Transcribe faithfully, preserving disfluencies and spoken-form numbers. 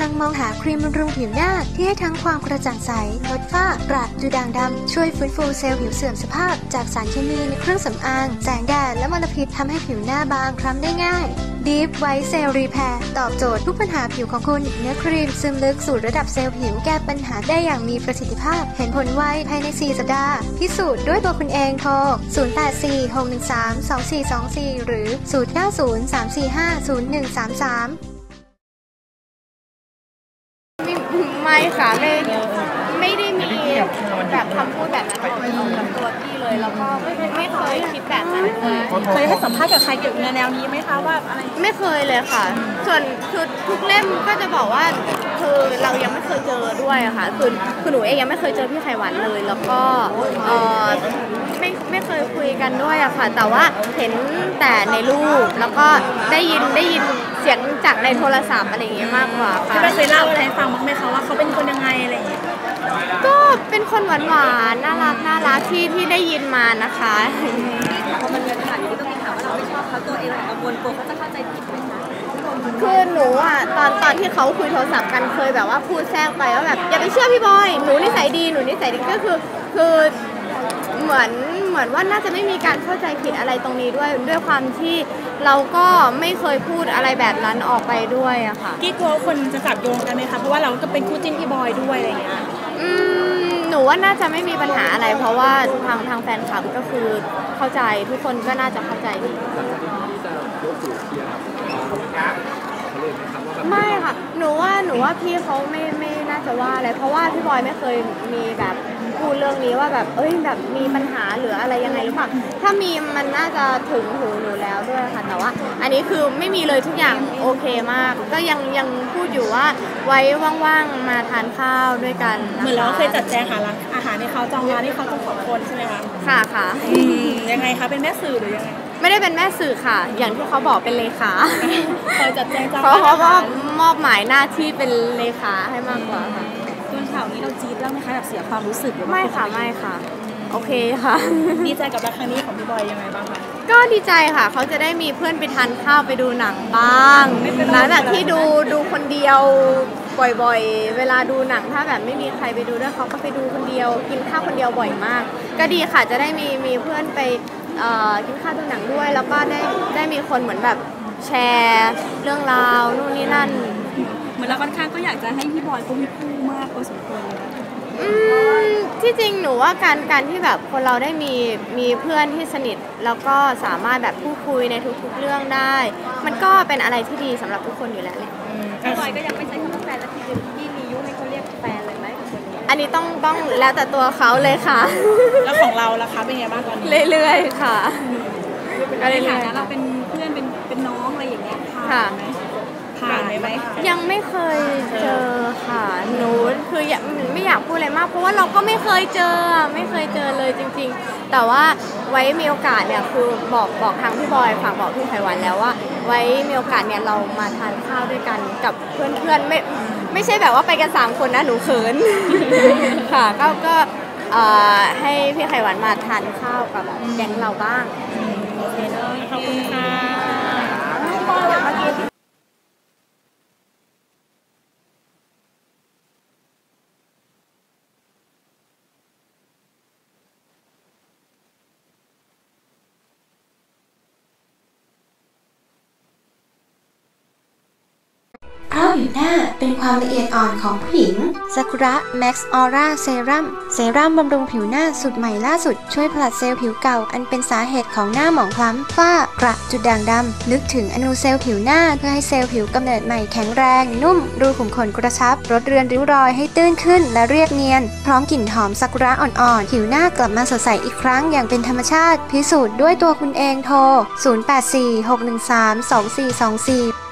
ลังมองหาครีมบำรุงผิวหน้าที่ให้ทั้งความกระจ่างใสลดฝ้ากระดูด่างดำช่วยฟื้นฟูเซลล์ผิวเสื่อมสภาพจากสารเคมีในเครื่องสำอางแสงแดดและมลพิษทำให้ผิวหน้าบางคล้ำได้ง่าย Deep White Cell Repair ตอบโจทย์ทุกปัญหาผิวของคุณเนื้อครีมซึมลึกสู่ระดับเซลล์ผิวแก้ปัญหาได้อย่างมีประสิทธิภาพเห็นผลไวภายในสี่สัปดาห์พิสูจน์ด้วยตัวคุณเองโทรศูนย์ แปด สี่ หก หนึ่ง สาม สอง สี่ สอง สี่หรือศูนย์ เก้า ศูนย์ สาม สี่ ห้า ศูนย์ หนึ่ง สาม สามไม่ค่ะไม่ไม่ได้มีแบบคำพูดแบบนั้นออกจากตัวพี่เลยแล้วก็ไม่เคยคิดแบบนั้นเลยเคยให้สัมภาษณ์กับใครเกี่ยวกับแนวนี้ไหมคะว่าอะไรไม่เคยเลยค่ะส่วนคือทุกเล่มก็จะบอกว่าคือเรายังไม่เคยเจอด้วยอะค่ะคือคือหนูเองยังไม่เคยเจอพี่ไขวัญเลยแล้วก็เออไม่ไม่เคยคุยกันด้วยอะค่ะแต่ว่าเห็นแต่ในรูปแล้วก็ได้ยินได้ยินเสียงจากในโทรศัพท์อะไรอย่างเงี้ยมากกว่าค่ะพี่เคยเล่าอะไรให้ฟังบ้างไหมคะว่าเขาเป็นคนยังไงอะไรอย่างเงี้ยก็เป็นคนหวานหวานน่ารักน่ารักที่ที่ได้ยินมานะคะพอมันมีปัญหาอย่างนี้ก็มีถามว่าเราไม่ชอบเขาตัวเองกังวลกลัวเขาจะเข้าใจผิดไหมคะคือหนูอ่ะตอนตอนที่เขาคุยโทรศัพท์กันเคยแบบว่าพูดแทรกไปว่าแบบอย่าไปเชื่อพี่บอยหนูนิสัยดีหนูนิสัยดีก็คือคือเหมือนเหมือนว่าน่าจะไม่มีการเข้าใจผิดอะไรตรงนี้ด้วยด้วยความที่เราก็ไม่เคยพูดอะไรแบบนั้นออกไปด้วยอะค่ะกี้กลัวคนจะจับโยงกันไหมคะเพราะว่าเราก็เป็นคู่จิ้นพี่บอยด้วยอะไรอย่างเงี้ยอืมหนูว่าน่าจะไม่มีปัญหาอะไรเพราะว่าทางทางแฟนคลับก็คือเข้าใจทุกคนก็น่าจะเข้าใจดีไม่ค่ะหนูว่าหนูว่าพี่เขาไม่ไม่น่าจะว่าอะไรเพราะว่าพี่บอยไม่เคยมีแบบพูดเรื่องนี้ว่าแบบเอ้ยแบบมีปัญหาหรืออะไรยังไงหรือเปล่าถ้ามีมันน่าจะถึงหูหนูแล้วด้วยค่ะแต่ว่าอันนี้คือไม่มีเลยทุกอย่างโอเคมากก็ยังยังพูดอยู่ว่าไว้ว่างๆมาทานข้าวด้วยกันเหมือนเราเคยจัดแจงหาร้านอาหารในเขาจองร้านที่เขาต้องขอบคนใช่ไหมคะค่ะค่ะยังไงคะเป็นแม่สื่อหรือยังไงไม่ได้เป็นแม่สื่อค่ะอย่างที่เขาบอกเป็นเลขาเคยจัดแจงจองเขาเขาก็มอบหมายหน้าที่เป็นเลขาให้มากกว่าค่ะตัวข่าวนี้เราจี๊ดบ้างไหมคะแบบเสียความรู้สึกไม่ค่ะไม่ค่ะโอเคค่ะดีใจกับรักครั้งนี้ของพี่บอยยังไงบ้างคะก็ดีใจค่ะเขาจะได้มีเพื่อนไปทานข้าวไปดูหนังบ้างหลังจากที่ดูดูคนเดียวบ่อยๆเวลาดูหนังถ้าแบบไม่มีใครไปดูด้วยเขาก็ไปดูคนเดียวกินข้าวคนเดียวบ่อยมากก็ดีค่ะจะได้มีมีเพื่อนไปกินข้าวดูหนังด้วยแล้วก็ได้ได้มีคนเหมือนแบบแชร์เรื่องราวนู่นนี่นั่นเหมือนเราค่อนข้างก็อยากจะให้พี่บอยเขามีคู่มากพอสมควรเลยนะอืมที่จริงหนูว่าการการที่แบบคนเราได้มีมีเพื่อนที่สนิทแล้วก็สามารถแบบพูดคุยในทุกๆเรื่องได้มันก็เป็นอะไรที่ดีสำหรับทุกคนอยู่แล้วเลยพี่บอยก็ยังไม่ใช่คำว่าแฟนแล้วที่พี่มียุให้เขาเรียกแฟนเลยไหมกับคนนี้อันนี้ต้องต้องแล้วแต่ตัวเขาเลยค่ะแล้วของเราล่ะคะเป็นไงบ้างตอนนี้เรื่อยๆค่ะก็เลยค่ะเราเป็นเพื่อนเป็นเป็นน้องอะไรอย่างเงี้ยค่ะผ่านไหมยังไม่เคยเจอค่ะหนูคือไม่อยากพูดอะไรมากเพราะว่าเราก็ไม่เคยเจอไม่เคยเจอเลยจริงๆแต่ว่าไว้มีโอกาสเนี่ยคือบอกบอกทางพี่บอยฝากบอกพี่ไขวัญแล้วว่าไว้มีโอกาสเนี่ยเรามาทานข้าวด้วยกันกับเพื่อนๆไม่ไม่ใช่แบบว่าไปกันสามคนนะหนูเขินค่ะก็ก็ให้พี่ไขวัญมาทานข้าวกับแก๊งเราบ้างโอเคเนาะขอบคุณค่ะเพราะผิวหน้าเป็นความละเอียดอ่อนของผู้หญิงซากุระแม็กซ์ออร่าเซรั่มเซรั่มบำรุงผิวหน้าสูตรใหม่ล่าสุดช่วยผลัดเซลล์ผิวเก่าอันเป็นสาเหตุของหน้าหมองคล้ำฝ้ากระจุดด่างดำลึกถึงอนูเซลล์ผิวหน้าเพื่อให้เซลล์ผิวกำเนิดใหม่แข็งแรงนุ่มรูขุมขนกระชับลดเรือนริ้วรอยให้ตื้นขึ้นและเรียบเนียนพร้อมกลิ่นหอมซากุระอ่อนๆผิวหน้ากลับมาสดใสอีกครั้งอย่างเป็นธรรมชาติพิสูจน์ด้วยตัวคุณเองโทรศูนย์ แปด สี่ หก หนึ่ง สาม สอง สี่ สอง สี่